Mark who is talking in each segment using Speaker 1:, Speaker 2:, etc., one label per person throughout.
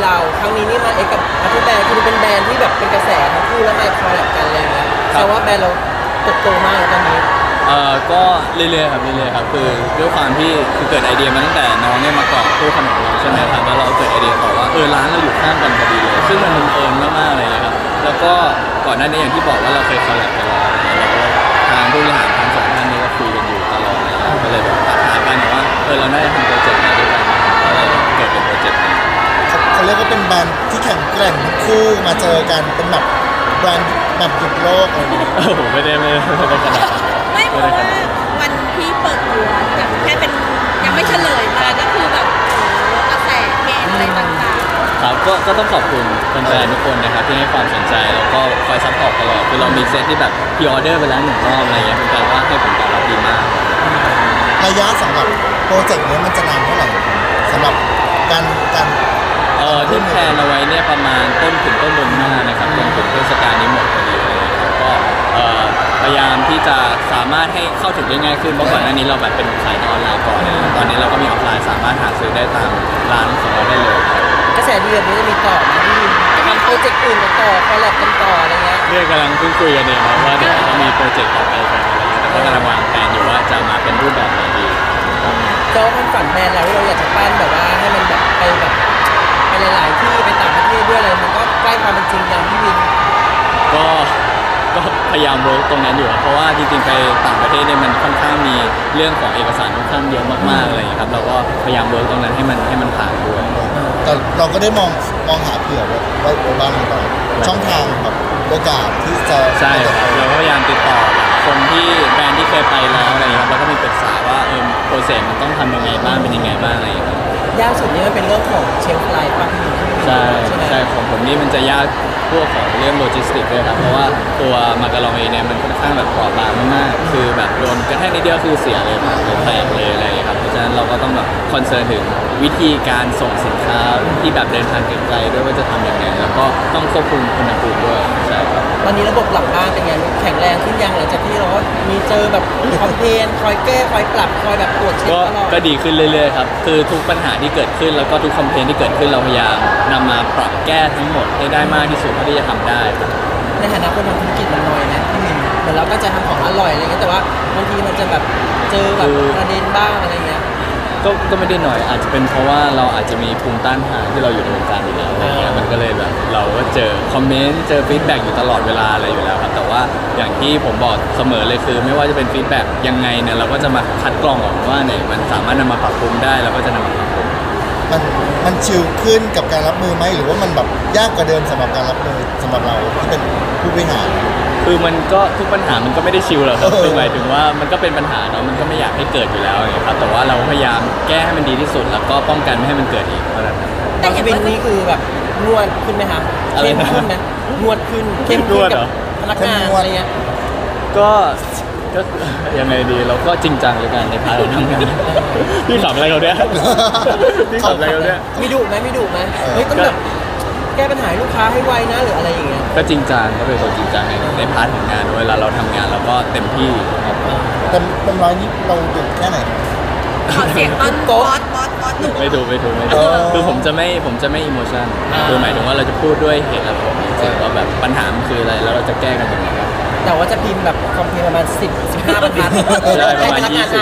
Speaker 1: เราครั้งนี้นี่มากับอาร์ตแบรนด์คือเป็นแบรนด์ที่แบบเป็นกระแสทั้งคู่แล้วมาคอลแลบกันอะไรเงี้ยแต่ว่าแบรนด์เราเติบโตมากตอนนี้
Speaker 2: ก็เรื่อยๆครับเรื่อยๆครับคือด้วยความที่คือเกิดไอเดียมาตั้งแต่น้องเนี่ยมาเกาะตู้ขนมเราใช่ไหมครับแล้วเราเกิดไอเดียต่อว่าร้านเราอยู่ข้างกันพอดีเลยซึ่งมันบังเอิญมากๆเลยครับแล้วก็ก่อนหน้านี้อย่างที่บอกว่าเราเคยคอลแลบกันแล้วแล้วก็ทางผู้บริหารทั้งสองท่านนี้ก็คุยกันอยู่ตลอดเลยก็เลยแบบหากันว่าเราน่าจะทำโปรเจกต์นี้ด้วยกันก็เลยเกิดเป็นโปรเจกต์นี้
Speaker 3: เขาเรียกว่าเป็นแบรนด์ที่แข็งแกร่งทั้งคู่มาเจอกันเป็นแบบแบรนด์แบบหยุดโลกอะไรอย่างเงี้ย
Speaker 2: ผมไม่ได้ขนาด
Speaker 4: ไม่เพราะว่าวันที่เปิดตัวแบบแค่เป็นยังไม่เฉลยมาก็คือแบบกระแสเพจอะไรต่างๆ
Speaker 2: ครับก็ต้องขอบคุณแฟนๆทุกคนนะครับที่ให้ความสนใจแล้วก็คอยซัพพอร์ตตลอดคือเรามีเซตที่แบบพรีออเดอร์ไปแล้ว1 รอบอะไรเงี้ยเป็นการว่าให้ผลตอบรับดีมาก
Speaker 3: ระยะสำหรับโปรเจกต์นี้มันจะนานเท่าไหร่สำหรับการ
Speaker 2: ที่แพลนเอาไว้เนี่ยประมาณต้นถึงต้นเดือนหน้านะครับจนถึงเทศกาลนี้หมดพอดีเลยครับก็พยายามที่จะสามารถให้เข้าถึงได้ง่ายขึ้นเพราะก่อนหน้านี้เราแบบเป็นขายออนไลน์ก่อนเลยตอนนี้เราก็มีออฟไลน์สามารถหาซื้อได้ตามร้านของเราได้เลย
Speaker 1: กระแสดีแบบนี้จะมีต่อไหมที่ทำโปรเจกต์อื่นกันต่อคอลแลบกันต่ออะไรเงี้ย
Speaker 2: เรื่องกำลังคุยกันเนี่ยว่าเดี๋ยวจะมีโปรเจกต์ต่อไปกันอะไรเงี้ยแต่ก็กำลังวางแผนอยู่ว่าจะมาเป็นรูปแบบไหนดี
Speaker 1: เจ้าความฝันแบรนด์เราที่เราอยากจะปั้นแบบว่าให้มันแบบไปหลายๆที่ไปต่างประเทศด้วยอะไรมันก็ใกล้ความเป็นจริงอย่างพี่วิน
Speaker 2: ก็พยายามเวิร์กตรงนั้นอยู่เพราะว่าจริงๆไปต่างประเทศเนี่ยมันค่อนข้างมีเรื่องของเอกสารค่อนข้างเยอะมากๆอะไรอย่างเงี้ยครับเราก็พยายามเวิร์กตรงนั้นให้มันผ่านด้วย
Speaker 3: แต่เราก็ได้มองหาเผื่อไว้บ้างหรือเปล่าช่องทางแบบโอกาสที่จะ
Speaker 2: ใช่ครับเราก็พยายามติดต่อคนที่แบรนด์ที่เคยไปแล้วอะไรอย่างเงี้ยแล้วก็มีปรึกษาว่าโปรเซสมันต้องทำยังไงบ้างเป็นยังไงบ้างอะไรอย่างเงี้ย
Speaker 1: ยากสุดนี่มันเป็นเรื่องของเชลฟ์ไลฟ์ป่ะพี่
Speaker 2: ใช่ของผมนี่มันจะยากพวกของเรื่องโลจิสติกเลยครับเพราะว่าตัวมาการองเองเนี่ยมันค่อนข้างแบบเปราะบางมากๆคือแบบโดนกระแทกนิดเดียวคือเสียเลยแตกเลยอะไรอย่างเงี้ยครับเพราะฉะนั้นเราก็ต้องแบบคอนเซิร์นถึงวิธีการส่งสินค้าที่แบบเดินทางไกลๆด้วยว่าจะทำยังไงแล้วก็ต้องควบคุมอุณหภูมิด้วยใช่ครับ
Speaker 1: ตอนนี้ระบบหลังบ้านเป็นไงแข็งแรงขึ้นยังหลังจากที่เรามีเจอแบบคอมเพลนคอยแก้คอยปรับคอยแบบตรวจเช็คตลอด
Speaker 2: ก็ดีขึ้นเรื่อยๆครับคือทุกปัญหาที่เกิดขึ้นแล้วก็ทุกคอมเพลนที่เกิดขึ้นเราพยายามนำมาปรับแก้ทั้งหมดให้ได้มากที่สุดเท่าที่จะทำได้ครับ
Speaker 1: ในฐานะคนทำธุรกิจมันน้อยนะพี่มินเหมือนเราก็จะทำของอร่อยอะไรเงี้ยแต่ว่าบางทีมันจะแบบเจอแบบประเด็นบ้างอะไรเงี้ย
Speaker 2: ก็ไม่ได้หน่อยอาจจะเป็นเพราะว่าเราอาจจะมีภูมิต้านทานที่เราอยู่ในวงการอยู่แล้วอะไรเงี้ยมันก็เลยแบบเราก็เจอคอมเมนต์เจอฟีดแบ็กอยู่ตลอดเวลาอะไรอยู่แล้วครับแต่ว่าอย่างที่ผมบอกเสมอเลยคือไม่ว่าจะเป็นฟีดแบ็กยังไงเนี่ยเราก็จะมาคัดกรองออกว่าไหนมันสามารถนำมาปรับปรุงได้เราก็จะนำมาปรับปรุง
Speaker 3: มันชิลขึ้นกับการรับมือไหมหรือว่ามันแบบยากกว่าเดิมสำหรับการรับมือสำหรับเราที่เป็นผู้บริหาร
Speaker 2: คือมันก็ทุกปัญหามันก็ไม่ได้ชิลหรอกครับคือหมายถึงว่ามันก็เป็นปัญหาเนาะมันก็ไม่อยากให้เกิดอยู่แล้วนะครับแต่ว่าเราพยายามแก้ให้มันดีที่สุดแล้วก็ป้องกันไม่ให้มันเกิดอีกเท่านั้น
Speaker 1: แต่ชีวิตนี้คือแบบนวดขึ้นไหมครับเข้มขึ้นไหมนวดขึ้นเข้มขึ้นกับพนักงานอะไรเงี้ย
Speaker 2: ก็ยังไงดีเราก็จริงจังเลยกันในพาร์ททำงานพี่ขำอะไรเขาเนี่ยพี่ขำอะไรเขาเนี่ย
Speaker 1: มีดุไหมเฮ้ยต้องแบบแก้ปัญหาลูกค้าให้ไวนะหรืออะไรอย่างเงี้ย
Speaker 2: ก็จริงจังก็เป็นคนจริงจังในพาร์ทของงานเวลาเราทำงานเราก็เต็มที่
Speaker 3: เป็นร้อยนี้เราดุแค่ไหน
Speaker 4: ขอเสียงต้นบอส
Speaker 2: ไม่ดูคือผมจะไม่อิโมชันคือหมายถึงว่าเราจะพูดด้วยเหตุและผลจริงว่าแบบปัญหามันคืออะไรแล้วเราจะแก้กันยังไง
Speaker 1: แต่ว่าจะพิมพ์แบบคอมเพลนประมาณ10-15 บรรทัด
Speaker 2: ใช่ประมาณ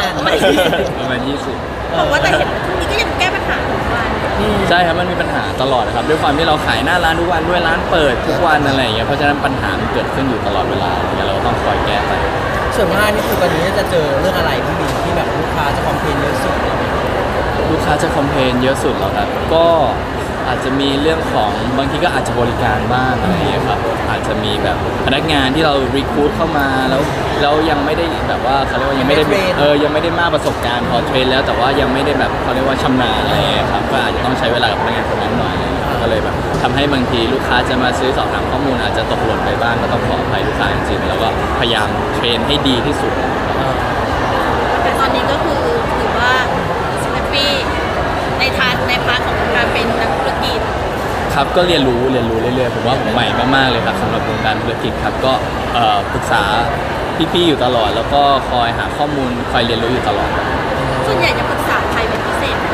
Speaker 2: 20
Speaker 4: บอกว่าแต่เห็นช่วงนี้ก็ยังแก้ปัญหาทุกวัน
Speaker 2: ใช่ครับมันมีปัญหาตลอดครับด้วยความที่เราขายหน้าร้านทุกวันด้วยร้านเปิดทุกวันอะไรอย่างเงี้ยเพราะฉะนั้นปัญหามันเกิดขึ้นอยู่ตลอดเวลาเราก็ต้องคอยแก้ไป
Speaker 1: ส่วนมากนี่คือตอนนี้จะเจอเรื่องอะไรที่มีที่แบบลูกค้าจะคอมเพลนเยอะสุด
Speaker 2: ลูกค้าจะคอมเพลนเยอะสุดเหรอครับก็อาจจะมีเรื่องของบางทีก็อาจจะบริการบ้างอะไรอย่างเงี้ยครับอาจจะมีแบบพนักงานที่เรารีคูดเข้ามาแล้วยังไม่ได้แบบว่าเขาเรียกว่ายังไม่ได้ยังไม่ได้มากประสบการณ์พอเทรนแล้วแต่ว่ายังไม่ได้แบบเขาเรียกว่าชำนาญอะไรอย่างเงี้ยครับก็อาจจะต้องใช้เวลากับพนักงานคนนั้นหน่อยก็เลยแบบทำให้บางทีลูกค้าจะมาซื้อสอบถามข้อมูลอาจจะตกหล่นไปบ้างก็ต้องขออภัยลูกค้าจริงๆแล้วก็พยายามเทรนให้ดีที่สุด
Speaker 4: แต่ตอนนี้ก็คือถือว่าแฮปปี้ในพาร์ทของการเป็นนักธุรกิจ
Speaker 2: ครับก็เรียนรู้เรื่อยๆผมว่าผมใหม่มากๆเลยครับสำหรับวงการธุรกิจครับก็ปรึกษาพี่ๆอยู่ตลอดแล้วก็คอยหาข้อมูลคอยเรียนรู้อยู่ตลอด
Speaker 4: ส่วนใหญ่จะปรึกษาใครเป็นพิเศษ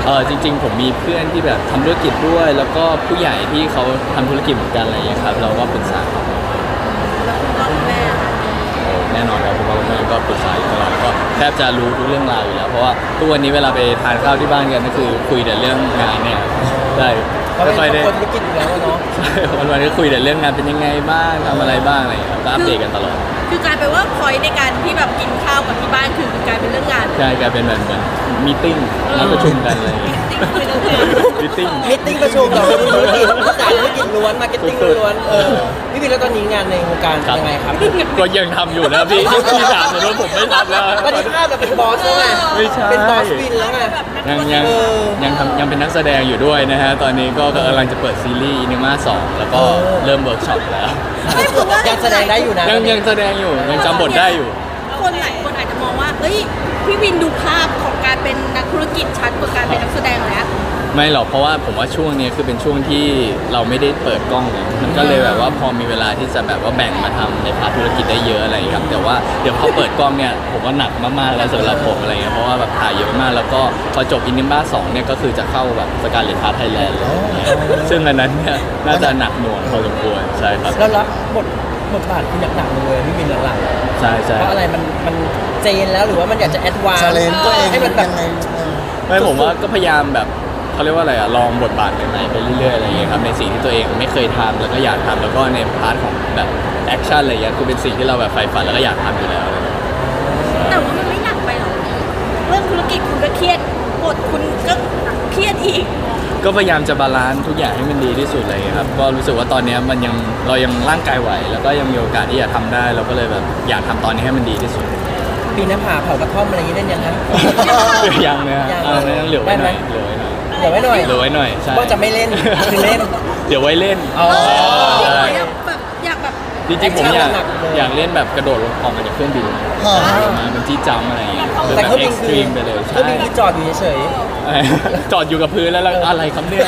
Speaker 2: จริงๆผมมีเพื่อนที่แบบทำธุรกิจด้วย แล้วก็ผู้ใหญ่ที่เขาทำธุรกิจเหมือนกันอะไรอย่างเงี้ยครับเราก็ปรึกษาเขา
Speaker 4: แล้วคุณพ่อคุณแม่
Speaker 2: แน่นอนครับคุณพ่อคุณแม่ก็ปรึกษาอยู่ตลอดก็แทบจะรู้ทุกเรื่องราวอยู่แล้วเพราะว่าทุกวันนี้เวลาไปทานข้าวที่บ้านกันก็คือคุยแต่เรื่องงานเนี่ยได้
Speaker 1: เพราะ
Speaker 2: ไม่
Speaker 1: เป็น
Speaker 2: ค่อยได้
Speaker 1: ครอบครัวธุรกิจอยู่แล้วเนาะ
Speaker 2: ใช่วันๆก็คุยแต่เรื่องงานเป็นยังไงบ้างทำอะไรบ้างอะไรอย่างเงี้ยครับก็อัปเดตกันตลอด
Speaker 4: คือกลายเป็นว่าพอยในการที่แบบกินข้าวกับที่บ้านคือกลายเป็นเรื่องงาน
Speaker 2: ใช่กลายเป็นแบบเหมือนมีติ้งนัดประชุมกันอะไรอย่างเงี้ย
Speaker 4: จริงๆคุยเรื่องงาน
Speaker 2: มีติ้ง
Speaker 1: มิทติ้งประชุมเราธุรกิจสายธุรกิจล้วนมาร์เก็ตติ้งล้วนพี่วินแล้วตอนนี้งานในวงการเป็นยังไงครับ
Speaker 2: ก็ยังทำอยู่นะพี่พี่ถามแต่ว่าผมไม่ทำแล้ว
Speaker 1: ตอนนี้ภาพเราเป็นบอสแล้วไง
Speaker 2: ไม่ใช่
Speaker 1: เป็นบอสวินแล้วไง
Speaker 2: ยังเป็นนักแสดงอยู่ด้วยนะฮะตอนนี้ก็กำลังจะเปิดซีรีส์อินิมา2แล้วก็เริ่มเวิร์กช็อปแล้ว
Speaker 4: ไม่เพราะว่า
Speaker 1: ยังแสดงได้อยู่นะ
Speaker 2: ยังแสดงอยู่ยังจำบทได้อยู่
Speaker 4: คนหลายคนอาจจะมองว่าเฮ้ยพี่วินดูภาพของการเป็นนักธุรกิจชัดกว่าการเป็นนักแสดงแล้ว
Speaker 2: ไม่หรอกเพราะว่าผมว่าช่วงนี้คือเป็นช่วงที่เราไม่ได้เปิดกล้องเลยมันก็เลยแบบว่าพอมีเวลาที่จะแบบว่าแบ่งมาทำในพาร์ทธุรกิจได้เยอะอะไรอย่างเงี้ยครับแต่ว่าเดี๋ยวพอเปิดกล้องเนี่ยผมว่าหนักมากๆแล้วสำหรับผมอะไรเงี้ยเพราะว่าแบบถ่ายเยอะมากแล้วก็พอจบอินนิบ้า2เนี่ยก็คือจะเข้าแบบสการเลตาไทยแลนด์เลยซึ่งอันนั้นเนี่ยน่าจะหนักหน่วงพอสมควรใช่ครับ
Speaker 1: แล้วรับบทบาทที่หนักๆเลยพี่วินหลังๆ
Speaker 2: ใช่ใช่
Speaker 1: เพราะอะไรมันเจนแล้วหรือว่ามันอยากจะแอดวานซ์
Speaker 3: ชาเลนตัวเอง
Speaker 1: ให้มันแบบ
Speaker 3: ยังไง
Speaker 2: ไม่ผมว่าก็พยายามแบบเขาเรียกว่าอะไรอะลองบทบาทใหม่ๆไปเรื่อยๆอะไรอย่างเงี้ยครับในสิ่งที่ตัวเองไม่เคยทำแล้วก็อยากทำแล้วก็ในพาร์ทของแบบแอคชั่นอะไรอย่างเงี้ยคือเป็นสิ่งที่เราแบบใฝ่ฝันแล้วก็อยากทำอยู่แล้วอะไรอย่างเงี้ย
Speaker 4: แต่ว่ามันไม่หนักไปหรอกเรื่องธุรกิจคุณก็เครียดบทคุณก็เครียดอีก
Speaker 2: ก็พยายามจะบาลานซ์ทุกอย่างให้มันดีที่สุดอะไรอย่างเลยครับก็รู้สึกว่าตอนเนี้ยมันยังเรายังร่างกายไหวแล้วก็ยังมีโอกาสที่จะทำได้เราก็เลยแบบอยากทำตอนนี้ให้มันดีที่สุด
Speaker 1: ปีนหน้าผาเผากระท่อมอะไรอย่างนี้ได้ยังไง
Speaker 2: ยังนะ
Speaker 1: ยัง
Speaker 2: ยังเหลือไว้หน่อยเหลือไว้หน่อย
Speaker 1: เดี๋ยวไว้หน่อย
Speaker 2: เหลือไว้หน่อยใช่
Speaker 1: ว่าจะไม่เล่นคือเล่น
Speaker 2: เดี๋ยวไว้เล่น
Speaker 1: อ๋อ
Speaker 4: จริงเหรอ
Speaker 2: ใช่
Speaker 4: อยากแบบ
Speaker 2: จริงๆผมอยาก
Speaker 1: หนักเลย
Speaker 2: อยากเล่นแบบกระโดดลงออกมาจากเครื่องบิน
Speaker 3: ฮะ
Speaker 2: มาเป็นจี้จัมป์อะไรอย่างเงี้ย
Speaker 1: แต่เครื่อง
Speaker 2: เอ็
Speaker 1: บิ
Speaker 2: ก
Speaker 1: น
Speaker 2: ซ์ต
Speaker 1: คือ
Speaker 2: รีมไปเลย
Speaker 1: เค
Speaker 2: ใช่
Speaker 1: รื่องบินคือจอดอยู่เฉย
Speaker 2: จอดอยู่กับพื้นแล้วอะไรครับเนี่ย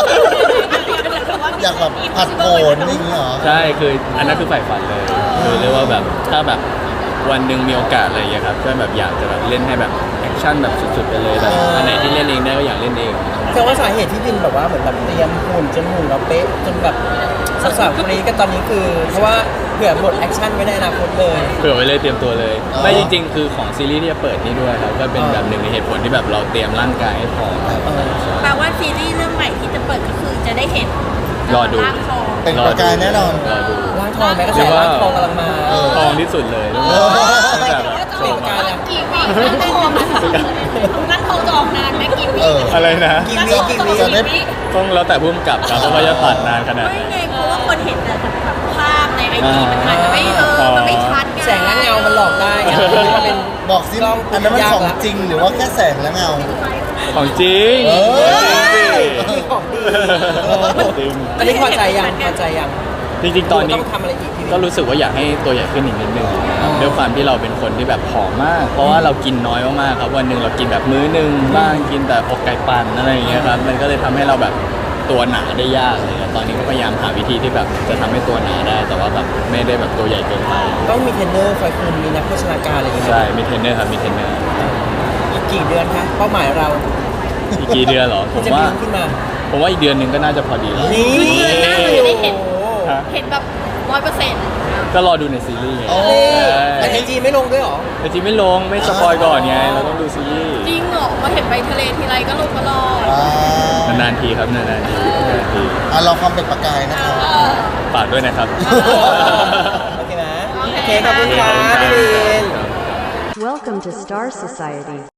Speaker 3: อยากแบบผัดโผนอย่างนี้เหรอ
Speaker 2: ใช่คืออันนั้นคือใฝ่ฝันเลยคือเรียกว่าแบบถ้าแบบวันหนึ่งมีโอกาสอะไรอย่างเงี้ยครับก็แบบอยากจะแบบเล่นให้แบบแอคชั่นแบบสุดๆไปเลยแบบอันไหนที่เล่นเองได้ก็อยากเล่นเอง
Speaker 1: ๆแต่ว่าสาเหตุที่วินแบบว่าเหมือนแบบเตรียมหุ่นจนหุ่นเราเป๊ะจนแบบสาวๆคนนี้ก็ตอนนี้คือเพราะว่าเผื่อบทแอคชั่นไว้ในอนาคตเลย
Speaker 2: เผื่อไว้เลยเตรียมตัวเลย
Speaker 3: อ๋อ
Speaker 2: ไม่จริงๆ คือของซีรีส์ที่จะเปิดนี่ด้วยครับก็เป็นแบบหนึ่งในเหตุผลที่แบบเราเตรียมร่างกายให้พร้อม
Speaker 4: แปลว่าซีรีส์เรื่องใหม่ที่จะเปิดก็คือจะได้เห็น
Speaker 2: รอดู
Speaker 4: ร่างทอง
Speaker 3: เป็นประกายแน่นอน
Speaker 2: รอดู
Speaker 1: ร่างทองแม้กระแสร่างทองกำลังมา
Speaker 2: ทองที่สุดเลย
Speaker 3: เออ
Speaker 2: ตั้งแต่แบบโช
Speaker 1: เป็น
Speaker 2: ว์
Speaker 1: ประ
Speaker 2: มาก
Speaker 1: ายแล้ว
Speaker 4: กี่วีร่างทองร่างทองจะออกนานไหมกี่วี
Speaker 3: เออ
Speaker 2: อะไรนะ
Speaker 1: กี่วิกี่วิ
Speaker 3: จะได้
Speaker 2: ต้องแล้วแต่พุ่มกับครับว่าจะตัดนานขนาดไหน
Speaker 4: ไม่ไงเพราะว่าคนเห็นแต่แบบภาพในไอจีมันอาจจะไม่มันไม่ชัดไง
Speaker 1: แสงและเงามันหลอกได้ไงมันเป็น
Speaker 3: บอกสิ
Speaker 1: กล้อง
Speaker 3: อันนั้นมัน
Speaker 1: ยาก
Speaker 3: ของ
Speaker 1: ละ
Speaker 3: จริงหรือว่าแค่แสงและเงา
Speaker 2: ของจริง
Speaker 3: เออ
Speaker 1: ของดี
Speaker 2: จริง
Speaker 1: อันนี้พอใจยังพอใจยัง
Speaker 2: จริงๆตอนนี้
Speaker 1: ต้องทำอะไรอีกพี่วิน
Speaker 2: ก็รู้สึกว่าอยากให้ตัวใหญ่ขึ้นอีกนิดนึงด้วยความที่เราเป็นคนที่แบบผอมมาก เพราะว่าเรากินน้อยมากๆครับวันหนึ่งเรากินแบบมื้อหนึงบ้างกินแต่อกไก่ปั่นอะไรอย่างเงี้ยครับมันก็เลยทำให้เราแบบตัวหนาได้ยากอะไรเลยตอนนี้ก็พยายามหาวิธีที่แบบจะทำให้ตัวหนาได้ แต่ว่าแบบไม่ได้แบบตัวใหญ่เกินไป
Speaker 1: ต้องมีเทรนเนอร์คอยคุมมีนักโภชนาการอะไรอย่างเงี้ย
Speaker 2: ใช่มีเทรนเนอร์ครับมีเทรนเนอร์
Speaker 1: อีกกี่เดือนคะเป้าหมายเรา
Speaker 2: อีกกี่เดือนเหรอผม
Speaker 1: จะ
Speaker 2: ว่า
Speaker 1: บินขึ้นมา
Speaker 2: ผมว่าอีกเดือนหนึ่งก็น่าจะพอดีแล้ว
Speaker 1: นี่
Speaker 4: คือเดือนหน้าเราจะได้เห็น
Speaker 2: ฮะ
Speaker 4: เห็นแบบ100%
Speaker 2: ก็รอดูในซีรีส์ไง
Speaker 3: โอ้
Speaker 1: แต่ไอจีไม่ลงด้วยเหรอ
Speaker 2: แต่จริงไม่ลงไม่สปอยก่อนไงเราต้องดูซีรีส์
Speaker 4: จริงเหรอมาเห็นไปทะเลทีไรก็ลงตลอด
Speaker 3: อ่าน
Speaker 2: านๆทีครับนานๆทีนานๆที
Speaker 3: อ่ะเราความเป็นประกายนะครับ
Speaker 2: ฝากด้วยนะครับ
Speaker 1: โอเคนะโอเคขอบคุณครับพี่วิน
Speaker 5: Welcome to Star Society.